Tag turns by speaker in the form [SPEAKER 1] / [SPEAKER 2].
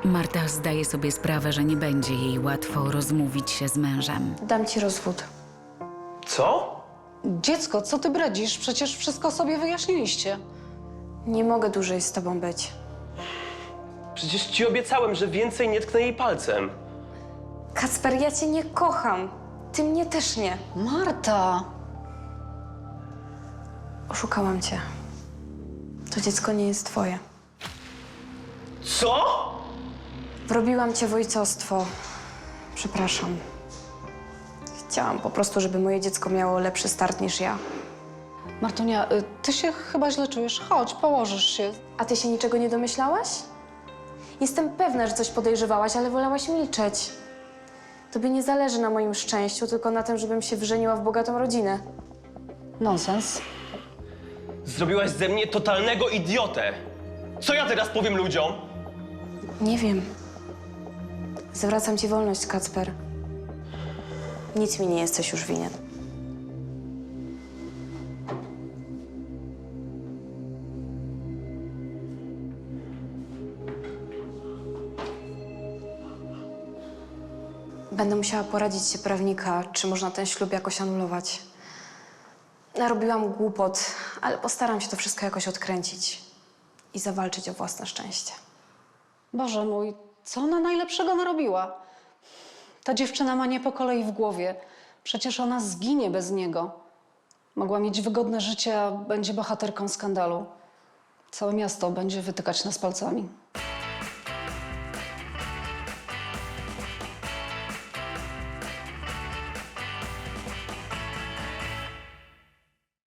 [SPEAKER 1] Marta zdaje sobie sprawę, że nie będzie jej łatwo rozmówić się z mężem.
[SPEAKER 2] Dam ci rozwód.
[SPEAKER 3] Co?
[SPEAKER 4] Dziecko, co ty bredzisz? Przecież wszystko sobie wyjaśniliście.
[SPEAKER 2] Nie mogę dłużej z tobą być.
[SPEAKER 3] Przecież ci obiecałem, że więcej nie tknę jej palcem.
[SPEAKER 2] Kacper, ja cię nie kocham. Ty mnie też nie.
[SPEAKER 4] Marta!
[SPEAKER 2] Oszukałam cię. To dziecko nie jest twoje.
[SPEAKER 3] Co?
[SPEAKER 2] Wrobiłam cię w ojcostwo. Przepraszam. Chciałam po prostu, żeby moje dziecko miało lepszy start niż ja.
[SPEAKER 4] Martunia, ty się chyba źle czujesz. Chodź, położysz się.
[SPEAKER 2] A ty się niczego nie domyślałaś? Jestem pewna, że coś podejrzewałaś, ale wolałaś milczeć. Tobie nie zależy na moim szczęściu, tylko na tym, żebym się wżeniła w bogatą rodzinę.
[SPEAKER 4] Nonsens.
[SPEAKER 3] Zrobiłaś ze mnie totalnego idiotę. Co ja teraz powiem ludziom?
[SPEAKER 2] Nie wiem. Zwracam ci wolność, Kacper. Nic mi nie jesteś już winien. Będę musiała poradzić się prawnika, czy można ten ślub jakoś anulować. Narobiłam głupot, ale postaram się to wszystko jakoś odkręcić i zawalczyć o własne szczęście.
[SPEAKER 4] Boże mój, co ona najlepszego narobiła? Ta dziewczyna ma nie po kolei w głowie. Przecież ona zginie bez niego. Mogła mieć wygodne życie, a będzie bohaterką skandalu. Całe miasto będzie wytykać nas palcami.